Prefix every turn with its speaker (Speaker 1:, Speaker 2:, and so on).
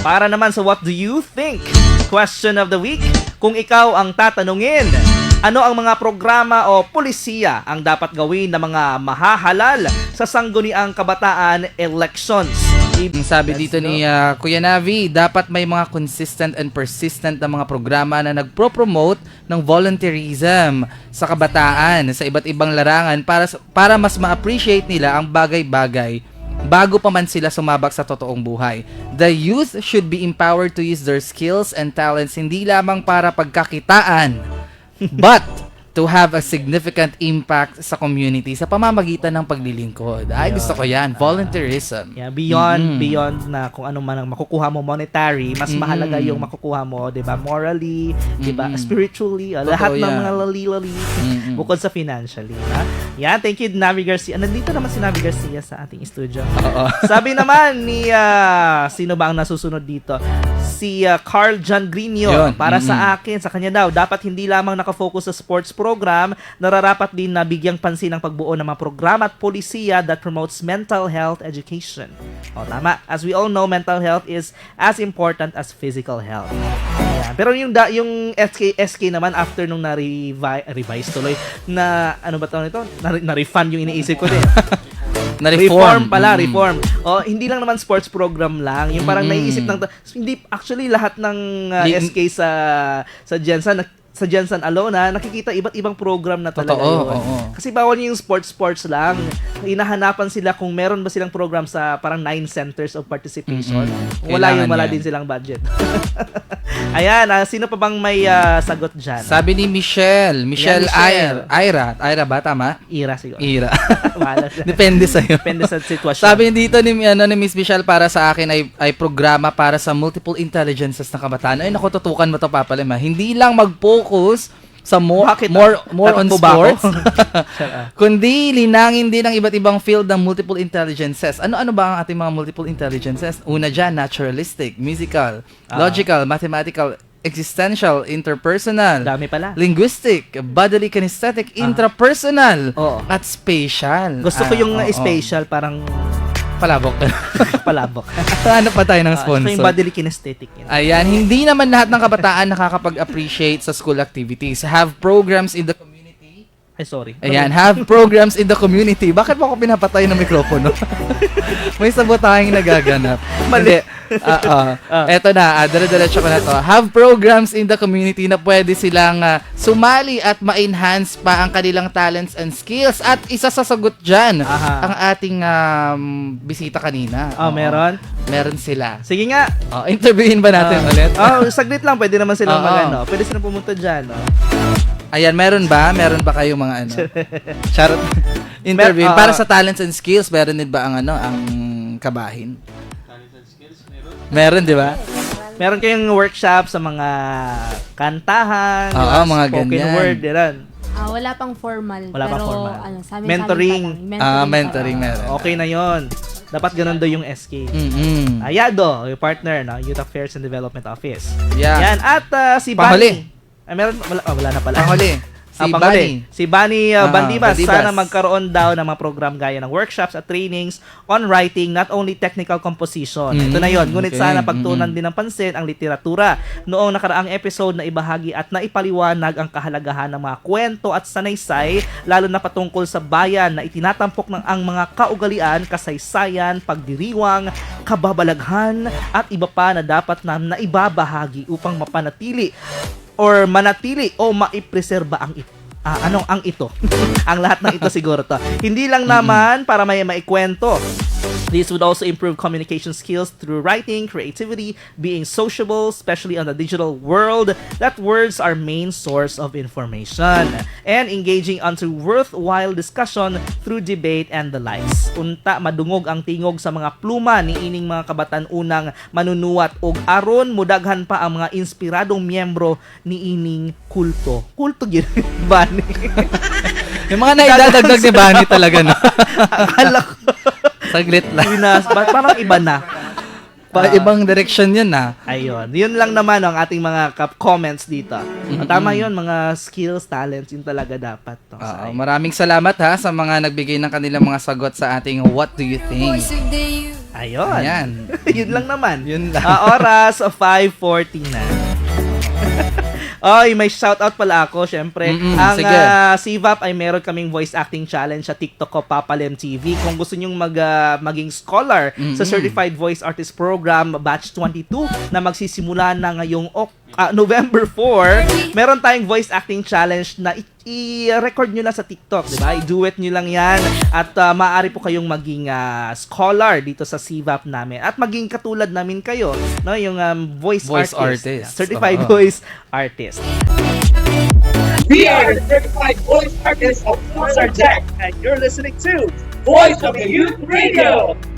Speaker 1: Para naman sa What Do You Think? Question of the Week. Kung ikaw ang tatanungin, ano ang mga programa o pulisiya ang dapat gawin ng mga mahahalal sa sangguniang kabataan elections?
Speaker 2: Sabi dito ni Kuya Navi, dapat may mga consistent and persistent na mga programa na nagpro-promote ng volunteerism sa kabataan sa iba't ibang larangan para mas ma-appreciate nila ang bagay-bagay bago pa man sila sumabak sa totoong buhay. The youth should be empowered to use their skills and talents hindi lamang para pagkakitaan, but to have a significant impact sa community sa pamamagitan ng paglilingkod. Ay, gusto ko yan. Volunteerism.
Speaker 1: Yeah, beyond na kung ano man ang makukuha mo monetary, mas mahalaga yung makukuha mo, 'di ba? Morally, 'di ba? Spiritually, lahat ng mga lali-lali bukod sa financially, ha? Yan, thank you Navi Garcia. Nandito naman si Navi Garcia sa ating studio. Sabi naman ni sino ba ang nasusunod dito? Si Carl John Grino. Para sa akin, sa kanya daw, dapat hindi lamang nakafocus sa sports program, nararapat din na bigyang pansin ang pagbuo ng mga programa at polisiya that promotes mental health education. O, tama. As we all know, mental health is as important as physical health. Ayan. Pero yung SK naman, after nung na-revise tuloy, na, ano ba tawag nito? Na-refund yung iniisip ko din. Reform. O, hindi lang naman sports program lang. Yung parang naiisip ng... Hindi, actually, lahat ng SK sa Jensen, sa Jensen alone, nakikita iba't ibang program na talaga yun. Kasi bawal yung sports lang. Hinahanapan sila kung meron ba silang program sa parang 9 centers of participation. Wala din silang budget. Ayan, sino pa bang may sagot dyan?
Speaker 2: Sabi ni Michelle Ira ba? Tama?
Speaker 1: Ira siguro.
Speaker 2: Ira. Depende sa'yo.
Speaker 1: Depende sa sitwasyon.
Speaker 2: Sabi dito ni Miss Michelle, para sa akin ay programa para sa multiple intelligences na kabataan. Ay, naku, tutukan mo to, Papa Lem, ha? Hindi lang mag-focus sa more on sports, kundi linangin din ang iba't ibang field ng multiple intelligences. Ano ba ang ating mga multiple intelligences? Una dyan, naturalistic, musical, logical, mathematical, existential, interpersonal,
Speaker 1: dami pala,
Speaker 2: linguistic, bodily kinesthetic, intrapersonal, at spatial.
Speaker 1: Gusto ko yung spatial, parang palabok.
Speaker 2: Ano pa tayo ng sponsor?
Speaker 1: Yung bodily kinesthetic.
Speaker 2: Ayan, hindi naman lahat ng kabataan nakakapag-appreciate sa school activities. Have programs in the community.
Speaker 1: Ay, sorry.
Speaker 2: Ayan, have programs in the community. Bakit mo ako pinapatay ng mikropono? May sabotahing nagaganap.
Speaker 1: Mali.
Speaker 2: Eto na, dire-diretso ko na to. Have programs in the community na pwede silang sumali at ma-enhance pa ang kanilang talents and skills. At isa sa sagot dyan, ang ating bisita kanina.
Speaker 1: Meron?
Speaker 2: Meron sila.
Speaker 1: Sige nga.
Speaker 2: Interviewin ba natin ulit?
Speaker 1: Saglit lang. Pwede naman silang mag-ano. Pwede silang pumunta dyan.
Speaker 2: Ayan, meron ba kayong mga ano? Charot. Interview. Para sa talents and skills, meron din ba ang kabahin? Meron, di ba?
Speaker 1: Meron kayong workshop sa mga kantahan,
Speaker 2: mga
Speaker 1: spoken
Speaker 2: ganyan.
Speaker 1: word, yan.
Speaker 3: Wala pang formal.
Speaker 1: Wala pang formal.
Speaker 3: Mentoring.
Speaker 2: Mentoring meron.
Speaker 1: Okay na yon. Dapat ganun daw yung SK. Ayado, yung partner, no? Youth Affairs and Development Office.
Speaker 2: Yeah.
Speaker 1: Yan. At si
Speaker 2: Pahuli.
Speaker 1: Bani. Meron, wala na pala.
Speaker 2: Pahuli.
Speaker 1: Si Bani Bandibas.
Speaker 2: Bandibas.
Speaker 1: Sana magkaroon daw ng mga program gaya ng workshops at trainings on writing, not only technical composition. Ito na yon. Ngunit sana pagtuunan din ng pansin ang literatura. Noong nakaraang episode na ibahagi at naipaliwanag ang kahalagahan ng mga kwento at sanaysay, lalo na patungkol sa bayan na itinatampok ng ang mga kaugalian, kasaysayan, pagdiriwang, kababalaghan, at iba pa na dapat na naibabahagi upang manatili o maipreserba ang ito. Ang lahat ng ito siguro to. Hindi lang naman para may maikwento. This would also improve communication skills through writing, creativity, being sociable, especially on the digital world, that words are main source of information, and engaging onto worthwhile discussion through debate and the likes. Unta madungog ang tingog sa mga pluma ni ining mga kabatan-unang manunuwat og aron mudaghan pa ang mga inspiradong miyembro ni ining kulto. Kulto gyud Bani.
Speaker 2: Yung mga naidadagdag ni Bani talaga, no?
Speaker 1: Akala ko.
Speaker 2: Saglit lang.
Speaker 1: Parang iba na.
Speaker 2: Ibang direction yun, na.
Speaker 1: Ayun. Yun lang naman ang ating mga comments dito. Tama yun, mga skills, talents, yun talaga dapat.
Speaker 2: Maraming salamat sa mga nagbigay ng kanilang mga sagot sa ating What Do You Think?
Speaker 1: Ayun.
Speaker 2: Ayan.
Speaker 1: Yun lang naman.
Speaker 2: Yun lang.
Speaker 1: Oras 5:40 na. Oy, may shoutout pala ako, syempre. Ang
Speaker 2: sige.
Speaker 1: CVAP ay meron kaming voice acting challenge sa TikTok ko, Papalem TV. Kung gusto nyong maging scholar sa Certified Voice Artist Program Batch 22 na magsisimula na ngayong November 4, meron tayong voice acting challenge na i-record nyo lang sa TikTok, di ba? I-duet nyo lang yan at maaari po kayong maging scholar dito sa CVAP namin at maging katulad namin kayo, no? Yung voice artist. Certified voice artist.
Speaker 4: We are the certified voice artists of Pulsar Tech, and you're listening to Voice of the Youth Radio.